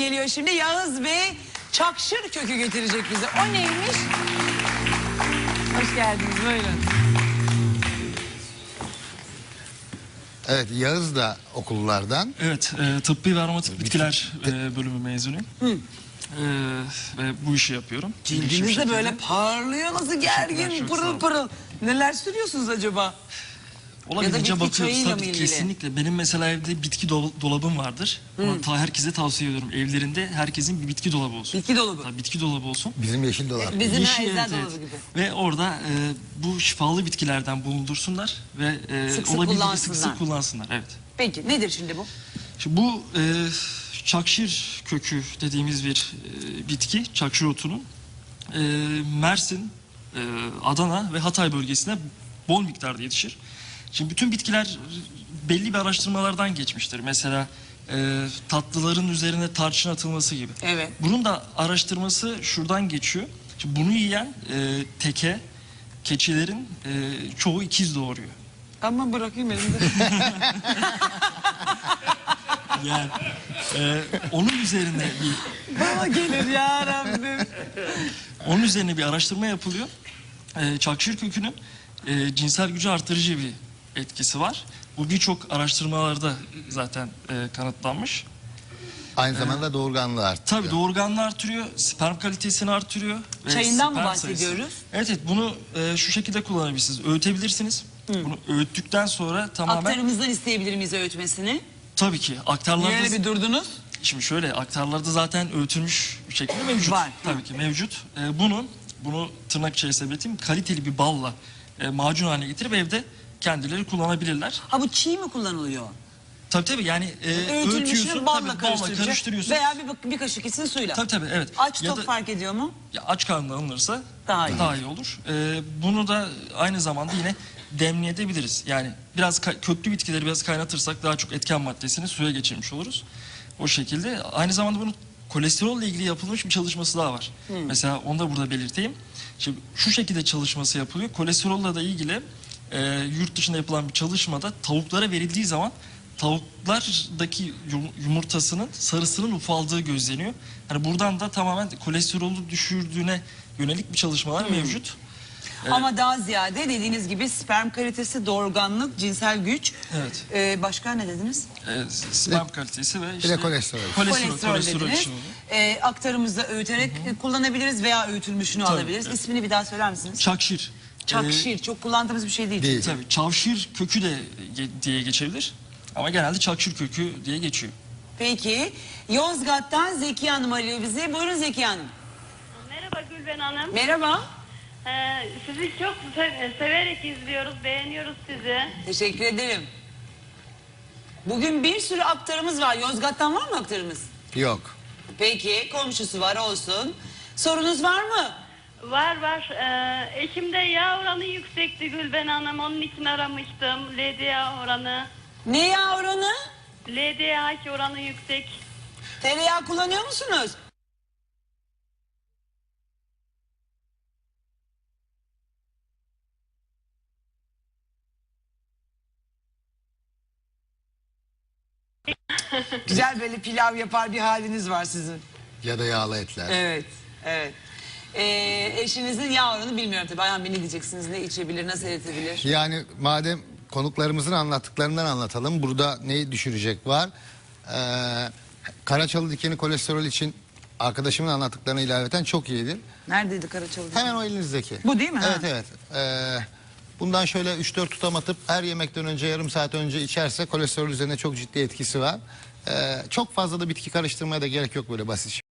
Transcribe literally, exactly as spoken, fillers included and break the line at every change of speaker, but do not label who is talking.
geliyor şimdi. Yağız Bey çakşır kökü getirecek bize. O neymiş? Hoş geldiniz, buyurun.
Evet, Yağız da okullardan.
Evet, e, tıbbi ve aromatik bitkiler e, bölümü mezunuyum. Hı. E, ve bu işi yapıyorum.
Cildiniz de böyle parlıyor, nasıl gergin, pırıl pırıl. Neler sürüyorsunuz acaba?
Olabildiğince
bitki
bakıyoruz
çayıyla
tabii,
mı ilgili?
kesinlikle. Benim mesela evde bitki dol dolabım vardır. Ama ta herkese tavsiye ediyorum. Evlerinde herkesin bir bitki dolabı olsun.
Bitki dolabı.
Tabii, bitki dolabı olsun.
Bizim yeşil dolar.
Bizim
Yeşil,
eczane
evet,
dolabı
evet.
gibi.
Ve orada e, bu şifalı bitkilerden bulundursunlar ve e,
Sık sık
olabildiğince sık
kullansınlar.
sık kullansınlar. Evet.
Peki nedir şimdi bu?
Şimdi bu e, çakşir kökü dediğimiz bir e, bitki, çakşir otunun e, Mersin, e, Adana ve Hatay bölgesine bol miktarda yetişir. Şimdi bütün bitkiler belli bir araştırmalardan geçmiştir. Mesela e, tatlıların üzerine tarçın atılması gibi.
Evet.
Bunun da araştırması şuradan geçiyor. Şimdi bunu yiyen e, teke, keçilerin e, çoğu ikiz doğuruyor.
Ama bırakayım elimde.
Yani e, onun üzerine bir
Bana gelir ya Rabbim.
onun üzerine bir araştırma yapılıyor. E, çakşir kökünün e, cinsel gücü artırıcı bir etkisi var. Bu birçok araştırmalarda zaten e, kanıtlanmış.
Aynı zamanda doğurganlığı arttırıyor.
Tabii doğurganlığı artırıyor, sperm kalitesini artırıyor. Ve
Çayından mı
sperm
bahsediyoruz?
sayısı. Evet, evet, bunu e, şu şekilde kullanabilirsiniz. Öğütebilirsiniz. Bunu öğüttükten sonra tamamen
Aktarımızdan isteyebilir miyiz öğütmesini?
tabii ki aktarlarda
Niye öyle bir durdunuz?
şimdi şöyle aktarlarda zaten öğütülmüş bir şekilde mevcut.
Var.
Tabii ki mevcut. E, bunun bunu tırnak içerisinde belirteyim, kaliteli bir balla e, macun haline getirip evde kendileri kullanabilirler.
Ha bu çiğ mi kullanılıyor?
Tabii tabii, yani e, öğütüyorsun,
Öğütülmüşünü balla
tabii, balla
karıştıracak.
karıştırıyorsun.
Veya bir, bir kaşık içsin suyla.
Tabii tabii, evet.
Aç
Ya
tok
da-
fark ediyor mu?
Ya aç karnına alınırsa
Daha
daha
iyi.
iyi, olur. Ee, bunu da aynı zamanda yine demleyebiliriz. Yani biraz ka- köklü bitkileri biraz kaynatırsak daha çok etken maddesini suya geçirmiş oluruz. O şekilde. Aynı zamanda bunun kolesterolle ilgili yapılmış bir çalışması daha var. Mesela onu da burada belirteyim. Şimdi şu şekilde çalışması yapılıyor. Kolesterolle da ilgili e, yurt dışında yapılan bir çalışmada tavuklara verildiği zaman tavuklardaki yum- yumurtasının sarısının ufaldığı gözleniyor. Hani buradan da tamamen kolesterolü düşürdüğüne yönelik bir çalışmalar mevcut.
Ama daha ziyade dediğiniz gibi sperm kalitesi, doğurganlık, cinsel güç.
Evet.
Ee, başka ne dediniz?
E, sperm kalitesi ve işte
de kolesterol.
Kolesterol,
Kolesterol,
kolesterol
dediniz.
için oluyor.
Ee, aktarımızda öğüterek kullanabiliriz veya öğütülmüşünü
Tabii,
alabiliriz.
evet.
İsmini bir daha söyler misiniz?
Çakşir.
Çakşir. Çok kullandığımız bir şey değil.
Değil.
Tabii çavşir kökü de ge- diye geçebilir. Ama genelde çakşir kökü diye geçiyor.
Peki. Yozgat'tan Zeki Hanım arıyor bizi. Buyurun Zeki Hanım.
Merhaba Gülben Hanım.
Merhaba.
Ee, sizi çok se- severek izliyoruz, beğeniyoruz sizi.
Teşekkür ederim. Bugün bir sürü aktarımız var. Yozgat'tan var mı aktarımız?
Yok.
Peki. Komşusu var, olsun. Sorunuz var mı?
Var var. Ee, eşimde yağ oranı yüksekti Gülben Hanım. Onun için aramıştım. L D H oranı.
Ne yağ oranı?
L D H oranı yüksek.
Tereyağı kullanıyor musunuz? Güzel böyle pilav yapar bir haliniz var sizin.
Ya da yağlı etler.
Evet, evet. Ee, eşinizin yağ oranı bilmiyorum tabii. Ayhan Bey ne diyeceksiniz? Ne içebilir, nasıl eritebilir?
Yani madem konuklarımızın anlattıklarından anlatalım. Burada neyi düşürecek var? Ee, Karaçalı dikeni kolesterol için arkadaşımın anlattıklarına ilaveten çok iyidir.
Neredeydi Karaçalı?
Hemen o elinizdeki.
Bu değil mi?
Evet,
Ha.
evet. Ee, bundan şöyle üç dört tutam atıp her yemekten önce yarım saat önce içerse kolesterol üzerine çok ciddi etkisi var. Ee, çok fazla da bitki karıştırmaya da gerek yok, böyle basit.